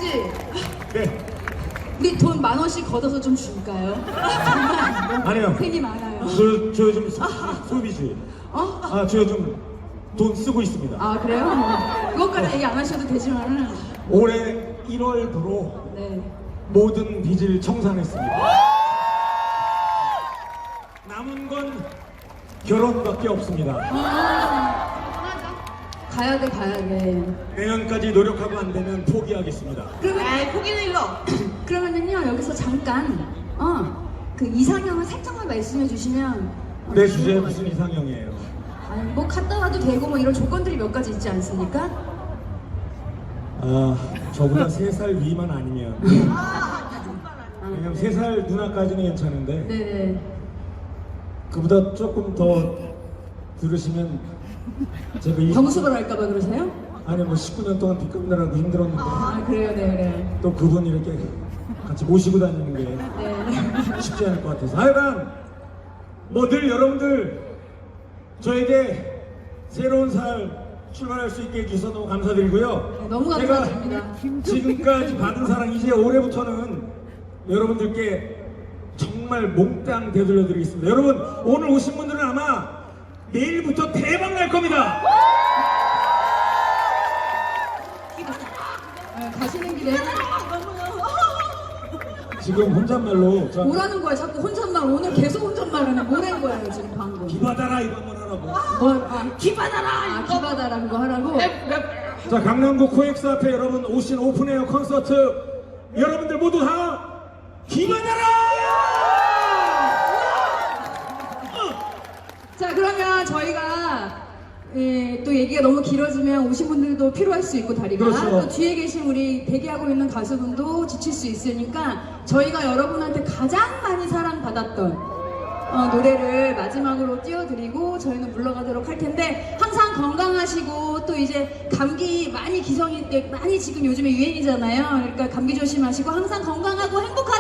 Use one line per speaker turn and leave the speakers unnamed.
씨,
네.
우리 돈 10,000원씩 걷어서 좀 줄까요? 정말
아니요.
팬이 많아요.
저 요즘 소비주의.
어?
저 요즘 돈 쓰고 있습니다.
아 그래요? 뭐, 그것까지 얘기 안 하셔도 되지만은.
올해 1월부로
네.
모든 빚을 청산했습니다. 남은 건 결혼밖에 없습니다.
가야 돼, 가야 돼.
내년까지 노력하고 안 되면 포기하겠습니다.
그러면 포기는 일로. 그러면은요 여기서 잠깐 그 이상형을 살짝만 말씀해 주시면.
내 주제에 무슨 이상형이에요?
아니 뭐 갔다 와도 되고 뭐 이런 조건들이 몇 가지 있지 않습니까?
저보다 3살 위만 아니면. 왜냐면 3살 누나까지는 괜찮은데
네네.
그보다 조금 더 들으시면 제가
경수를 할까봐 그러세요?
아니 뭐 19년 동안 빚 갚느라고 힘들었는데
아 그래요, 네 그래요.
또 그분 이렇게 같이 모시고 다니는 게
네.
쉽지 않을 것 같아서 하여간 뭐 늘 여러분들 저에게 새로운 살 출발할 수 있게 해주셔서 너무 감사드리고요.
네, 너무 감사드립니다.
제가 지금까지 받은 사랑 이제 올해부터는 여러분들께 정말 몽땅 되돌려 드리겠습니다. 여러분 오늘 오신 분들은 아마 내일부터 대박 날 겁니다.
가시는 길에
지금 혼잣말로 저
뭐라는 거야? 자꾸 혼잣말. 오늘 계속 혼잣말하네. 뭐라는 거예요 지금 방금?
기받아라 이거 한번 하라고.
기받아라. 기받아라 그거 하라고.
자 강남구 코엑스 앞에 여러분 오신 오픈에어 콘서트 여러분들 모두 다 기받아라.
자 그러면 저희가 또 얘기가 너무 길어지면 오신 분들도 피로할 수 있고 다리가
그렇죠.
또 뒤에 계신 우리 대기하고 있는 가수분도 지칠 수 있으니까 저희가 여러분한테 가장 많이 사랑받았던 노래를 마지막으로 띄워드리고 저희는 물러가도록 할 텐데 항상 건강하시고 또 이제 감기 많이 기성이 많이 지금 요즘에 유행이잖아요. 그러니까 감기 조심하시고 항상 건강하고 행복하고